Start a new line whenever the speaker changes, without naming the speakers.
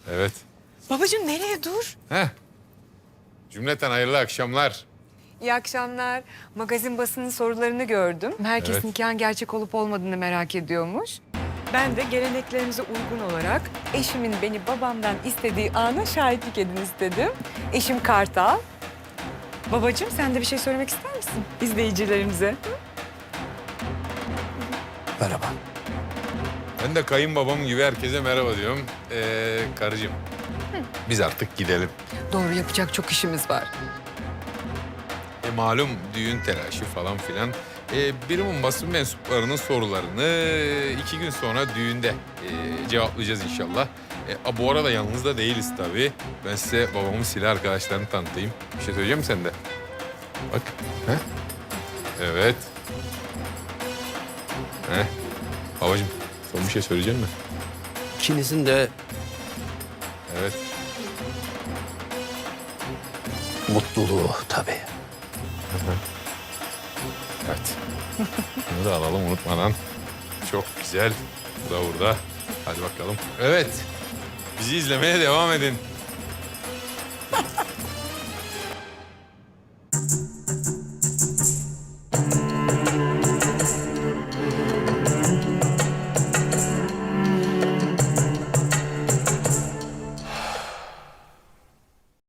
Evet.
Babacığım nereye dur?
Heh. Cümleten hayırlı akşamlar.
İyi akşamlar. Magazin basının sorularını gördüm. Herkes
Evet.
nikahın gerçek olup olmadığını merak ediyormuş. Ben de geleneklerimize uygun olarak eşimin beni babamdan istediği ana şahitlik edin istedim. Eşim Kartal. Babacığım sen de bir şey söylemek ister misin izleyicilerimize?
Merhaba.
Ben de kayınbabam gibi herkese merhaba diyorum. Karıcığım, biz artık gidelim.
Doğru, yapacak çok işimiz var.
Malum düğün telaşı falan filan. Birimin basın mensuplarının sorularını 2 gün sonra düğünde cevaplayacağız inşallah. Bu arada yalnız da değiliz tabii. Ben size babamın silah arkadaşlarını tanıtayım. Bir şey söyleyeceğim mi sen de? Bak. Heh. Evet. Heh. Babacığım, son bir şey söyleyecek misin?
İkinizin de
Evet.
mutluluğu tabii.
Evet. Bunu da alalım unutmadan. Çok güzel. Bu da burada. Hadi bakalım. Evet. Bizi izlemeye devam edin.